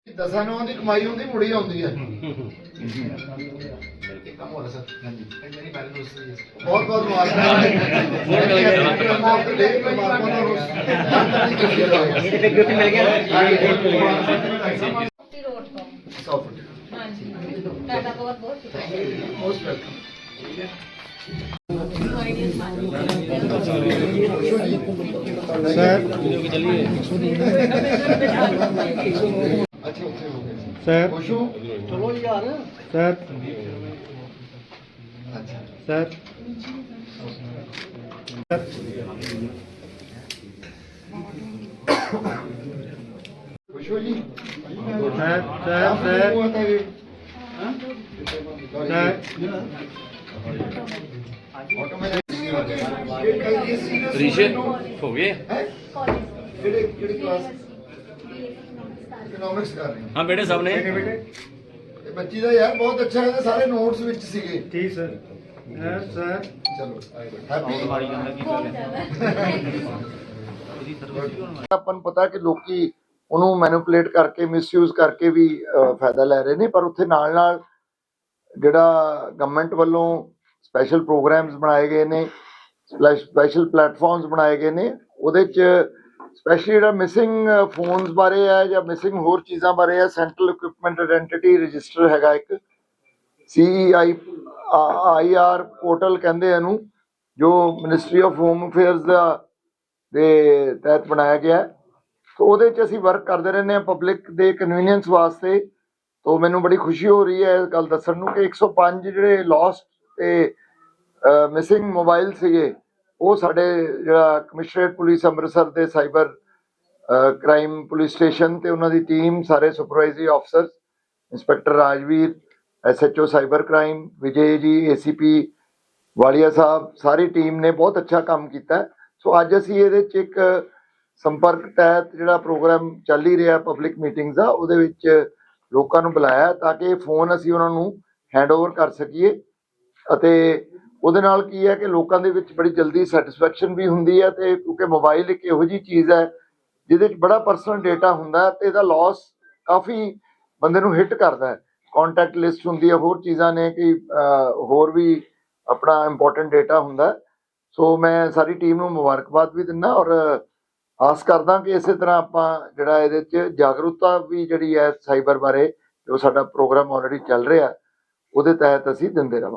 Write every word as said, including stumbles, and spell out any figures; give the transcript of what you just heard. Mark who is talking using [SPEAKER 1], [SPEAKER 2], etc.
[SPEAKER 1] ਦਸਾਂ ਨੌਂ ਦੀ ਕਮਾਈ ਹੁੰਦੀ ਮੁੜੀ ਆਉਂਦੀ ਹੈ। ਬਹੁਤ ਬਹੁਤ ਮੁਬਾਰਕਾਂ।
[SPEAKER 2] सर
[SPEAKER 1] खुश हो?
[SPEAKER 2] चलो यार सर
[SPEAKER 1] अच्छा
[SPEAKER 2] सर
[SPEAKER 1] खुश हो जी?
[SPEAKER 2] सर सर सर
[SPEAKER 1] हुआ था ये?
[SPEAKER 2] सर
[SPEAKER 3] ऋषि हो गए
[SPEAKER 1] इकोनॉमिक्स कर रहे हैं।
[SPEAKER 3] हाँ बेटे सब ने
[SPEAKER 1] ਇਹ ਬੱਚੀ ਦਾ ਯਾਰ ਬਹੁਤ ਅੱਛਾ ਹੈ, ਸਾਰੇ ਨੋਟਸ ਵਿੱਚ ਸੀਗੇ।
[SPEAKER 2] ठीक सर सर सर
[SPEAKER 1] ਚਲੋ ਹੈਪੀ। ਆਪਾਂ ਨੂੰ ਪਤਾ ਕਿ ਲੋਕੀ ਉਹਨੂੰ ਮੈਨੂਪੂਲੇਟ ਕਰਕੇ ਮਿਸਯੂਜ਼ ਕਰਕੇ ਵੀ ਫਾਇਦਾ ਲੈ ਰਹੇ ਨੇ, ਪਰ ਉੱਥੇ ਨਾਲ ਨਾਲ ਜਿਹੜਾ ਗਵਰਨਮੈਂਟ ਵੱਲੋਂ ਸਪੈਸ਼ਲ ਪ੍ਰੋਗਰਾਮਸ ਬਣਾਏ ਗਏ ਨੇ, ਸਪੈਸ਼ਲ ਪਲੇਟਫਾਰਮਸ ਬਣਾਏ ਗਏ ਨੇ, ਉਹਦੇ 'ਚ ਸਪੈਸ਼ਲੀ ਜਿਹੜਾ ਮਿਸਿੰਗ ਫੋਨਸ ਬਾਰੇ ਹੈ ਜਾਂ ਮਿਸਿੰਗ ਹੋਰ ਚੀਜ਼ਾਂ ਬਾਰੇ ਹੈ, ਸੈਂਟਰਲ ਇਕੁਇਪਮੈਂਟ ਆਇਡੈਂਟੀਟੀ ਰਜਿਸਟਰ ਹੈਗਾ ਇੱਕ, ਸੀ ਆਈ ਆਈ ਆਰ ਪੋਰਟਲ ਕਹਿੰਦੇ ਇਹਨੂੰ, ਜੋ ਮਿਨਿਸਟਰੀ ਆਫ ਹੋਮ ਅਫੇਅਰਸ ਦਾ ਦੇ ਤਹਿਤ ਬਣਾਇਆ ਗਿਆ। ਸੋ ਉਹਦੇ 'ਚ ਅਸੀਂ ਵਰਕ ਕਰਦੇ ਰਹਿੰਦੇ ਹਾਂ ਪਬਲਿਕ ਦੇ ਕਨਵੀਨੀਅੰਸ ਵਾਸਤੇ। ਤੋ ਮੈਨੂੰ ਬੜੀ ਖੁਸ਼ੀ ਹੋ ਰਹੀ ਹੈ ਇਹ ਗੱਲ ਦੱਸਣ ਨੂੰ ਕਿ ਇੱਕ ਸੌ ਪੰਜ ਜਿਹੜੇ ਲੋਸਟ ਤੇ ਮਿਸਿੰਗ ਮੋਬਾਈਲ ਸੀਗੇ, ਉਹ ਸਾਡੇ ਜਿਹੜਾ ਕਮਿਸ਼ਨਰੇਟ ਪੁਲਿਸ ਅੰਮ੍ਰਿਤਸਰ ਦੇ ਸਾਈਬਰ ਕ੍ਰਾਈਮ ਪੁਲਿਸ ਸਟੇਸ਼ਨ ਤੇ ਉਹਨਾਂ ਦੀ ਟੀਮ, ਸਾਰੇ supervisory officer, inspector Rajveer, S H O cyber crime Vijay ji, A C P Walia Sahib, sorry team ਨੇ ਬਹੁਤ ਅੱਛਾ ਕੰਮ ਕੀਤਾ। ਸੋ ਅੱਜ ਅਸੀਂ ਇਹਦੇ 'ਚ ਇੱਕ ਸੰਪਰਕ ਤਹਿਤ ਜਿਹੜਾ ਪ੍ਰੋਗਰਾਮ ਚੱਲ ਹੀ ਰਿਹਾ ਪਬਲਿਕ ਮੀਟਿੰਗਸ ਦਾ, ਉਹਦੇ ਵਿੱਚ ਲੋਕਾਂ ਨੂੰ ਬੁਲਾਇਆ ਤਾਂ ਕਿ ਇਹ ਫੋਨ ਅਸੀਂ ਉਹਨਾਂ ਨੂੰ ਹੈਂਡਓਵਰ ਕਰ ਸਕੀਏ। ਅਤੇ ਉਹਦੇ ਨਾਲ ਕੀ ਹੈ ਕਿ ਲੋਕਾਂ ਦੇ ਵਿੱਚ ਬੜੀ ਜਲਦੀ ਸੈਟਿਸਫੈਕਸ਼ਨ ਵੀ ਹੁੰਦੀ ਹੈ, ਤੇ ਕਿਉਂਕਿ ਮੋਬਾਈਲ ਇੱਕ ਇਹੋ ਜਿਹੀ ਚੀਜ਼ ਹੈ ਜਿਹਦੇ 'ਚ ਬੜਾ ਪਰਸਨਲ ਡੇਟਾ ਹੁੰਦਾ ਤੇ ਇਹਦਾ ਲਾਸ ਕਾਫੀ ਬੰਦੇ ਨੂੰ ਹਿੱਟ ਕਰਦਾ ਹੈ। ਕੰਟੈਕਟ ਲਿਸਟ ਹੁੰਦੀ ਹੈ, ਹੋਰ ਚੀਜ਼ਾਂ ਨੇ ਕਿ ਹੋਰ ਵੀ ਆਪਣਾ ਇੰਪੋਰਟੈਂਟ ਡੇਟਾ ਹੁੰਦਾ। ਸੋ ਮੈਂ ਸਾਰੀ ਟੀਮ ਨੂੰ ਮੁਬਾਰਕਬਾਦ ਵੀ ਦਿੰਦਾ ਔਰ ਆਸ ਕਰਦਾ ਕਿ ਇਸੇ ਤਰ੍ਹਾਂ ਆਪਾਂ ਜਿਹੜਾ ਇਹਦੇ 'ਚ ਜਾਗਰੂਕਤਾ ਵੀ ਜਿਹੜੀ ਹੈ ਸਾਈਬਰ ਬਾਰੇ, ਜੋ ਸਾਡਾ ਪ੍ਰੋਗਰਾਮ ਆਲਰੇਡੀ ਚੱਲ ਰਿਹਾ ਉਹਦੇ ਤਹਿਤ ਅਸੀਂ ਦਿੰਦੇ ਰਹਾਂਗੇ।